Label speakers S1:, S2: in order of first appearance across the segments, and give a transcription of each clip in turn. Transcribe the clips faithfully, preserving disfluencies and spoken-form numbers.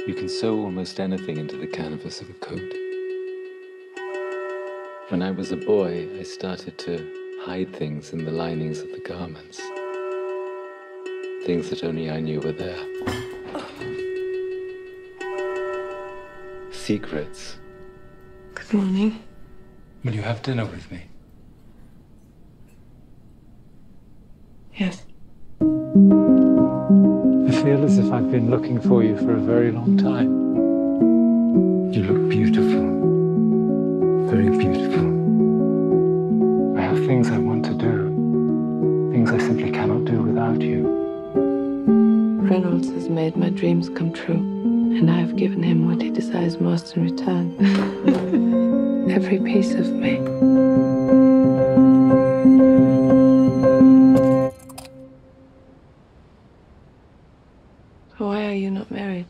S1: You can sew almost anything into the canvas of a coat. When I was a boy, I started to hide things in the linings of the garments. Things that only I knew were there. Secrets.
S2: Good morning.
S1: Will you have dinner with me?
S2: Yes.
S1: I feel as if I've been looking for you for a very long time. You look beautiful. Very beautiful. I have things I want to do. Things I simply cannot do without you.
S2: Reynolds has made my dreams come true, and I have given him what he desires most in return. Every piece of me. Why are you not married?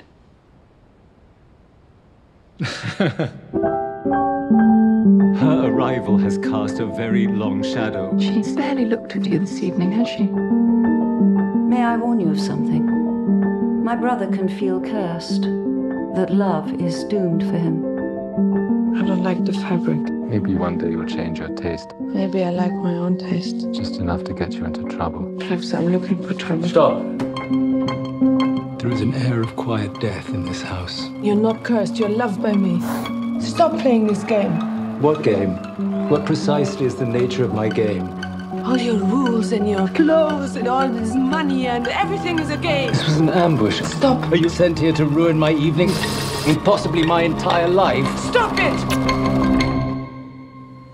S1: Her arrival has cast a very long shadow.
S2: She's barely looked at you this evening, has she?
S3: May I warn you of something? My brother can feel cursed, that love is doomed for him.
S2: I don't like the fabric.
S1: Maybe one day you'll change your taste.
S2: Maybe I like my own taste.
S1: Just enough to get you into trouble.
S2: Perhaps I'm looking for trouble.
S1: Stop! There is an air of quiet death in this house.
S2: You're not cursed, you're loved by me. Stop playing this game.
S1: What game? What precisely is the nature of my game?
S2: All your rules and your clothes and all this money and everything is a game.
S1: This was an ambush.
S2: Stop.
S1: Are you sent here to ruin my evening and possibly my entire life?
S2: Stop it!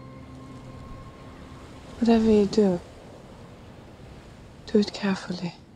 S2: Whatever you do, do it carefully.